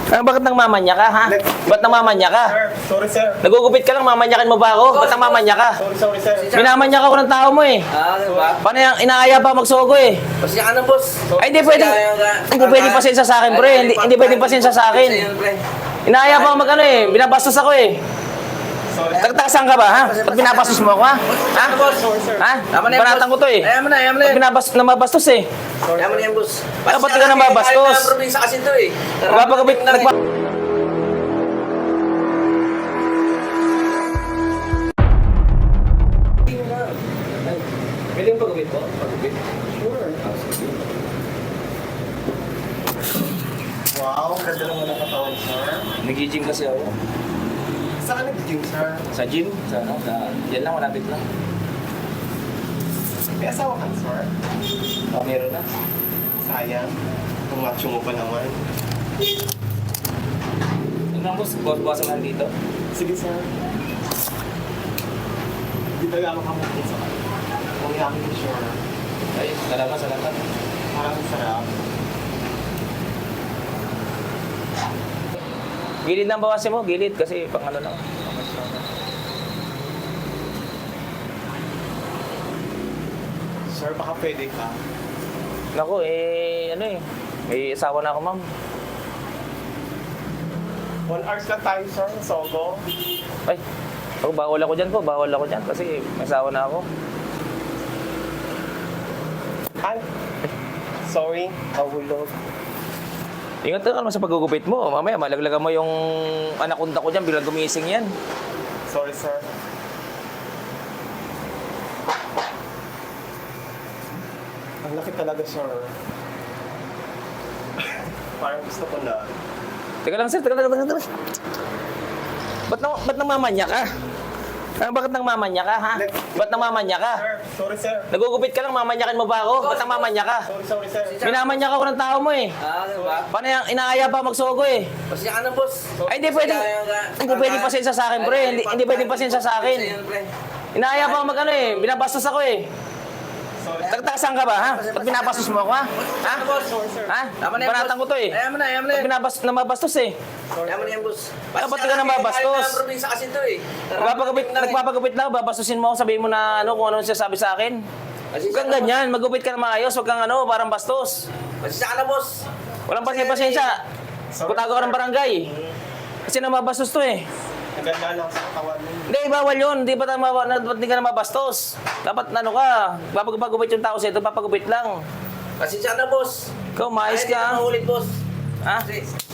Ah, bakit nang mamanya ka, ha? Ba't nang mamanya ka? Sir, sorry sir. Nagugupit ka lang, mamanyakin mo ba ako? Ba't nang mamanya ka? Sorry sir. Minamanyak ako ng tao mo eh. Diba? Paano yung inaaya pa magsogo eh? Pasensya ka na, boss. Ay, hindi pwedeng, hindi pwedeng pasensya sa akin, pre. Hindi pwedeng pasensya sa akin. Inaaya pa ako mag ano eh. Binabastos ako eh. Sorry. Tagtasan ka ba, ha? Ba't binabastos mo ako, ha? Ha? Sorry sir. Ha? Banatan ko to eh. Ayaw mo na, ayaw mo na. Ba't namabastos eh? Ayaw mo na yan, boss. Ah, ba't di ka nababastos? Kahit na probinsya kasi to eh. Nagpapagupit, Pwede yung pagupit po? Pagupit? Sure. Wow, ganda naman ang katawan sir. Nag-gym kasi ako. Saan ka nag-gym sir? Sa gym? Sa ano? Yan lang, malapit lang. May asawa ka sir? Oh, meron na. Sayang. Ang macho mo pa naman. Ano lang boss, bawasan lang dito. Sige sir. Di talaga makamukha sa kanya. Ang yakin ko sure. Ay, salamat. Parang sarap. Gilid lang bawasin mo, gilid kasi pang ano lang. Sir, baka pwede ka. Naku, ano eh. May asawa na ako, ma'am. 1 hours lang tayo sir, sa Sogo. Ay, ako bawal ako dyan kasi may asawa na ako. Ay, sorry, nahulog. Ingat ka naman sa paggugupit mo. Mamaya, malaglagan mo yung anaconda ko dyan, bilang gumising yan. Sorry sir. Ang laki talaga sir. Parang gusto ko na. Teka lang, sir. Teka lang. Ba't nang mamanya ka? Ah, bakit nang mamanya ka, ha? Ba't nang mamanya ka? Sir, sorry sir. Nagugupit ka lang, mamanyakin mo ba ako? Ba't nang mamanya ka? Sorry sir. Minamanyak ako ng tao mo eh. Diba? Paano yung inaaya pa magsogo eh? Pasensya ka na, boss. Ay, hindi pwedeng pasensya sa akin, pre. Hindi pwedeng pasensya sa akin. Inaaya pa ako mag ano eh. Binabastos ako eh. Sorry. Tagtasan ka ba, ha? Ba't binabastos mo ako, ha? Ha? Sorry sir. Ha? Tama na yan, Banatan ko boss. to eh. Ayaw mo na, ayaw mo na. Ba't namabastos eh? Ayaw mo na yan, boss. Ah, ba't di ka nababastos? Kahit na probinsya kasi to eh. Nagpapagupit lang, babastusin mo ako, sabihin mo na ano, kung ano sinasabi sa akin. Huwag kang ganyan, magupit ka na maayos, huwag kang ano, parang bastos. Pasensya ka na, boss. Walang pasensya. Putago ka ng barangay. Kasi namabastos to eh. Ang ganda lang sa katawan mo. Hindi, bawal yun. Hindi pa hindi ka na mabastos. Dapat ano ka, papagupit yung tao sa'yo, papagupit lang. Pasensya ka na, boss. Ikaw, maayos Kahit hindi ka. ka mahulit, boss. Ha? Kasi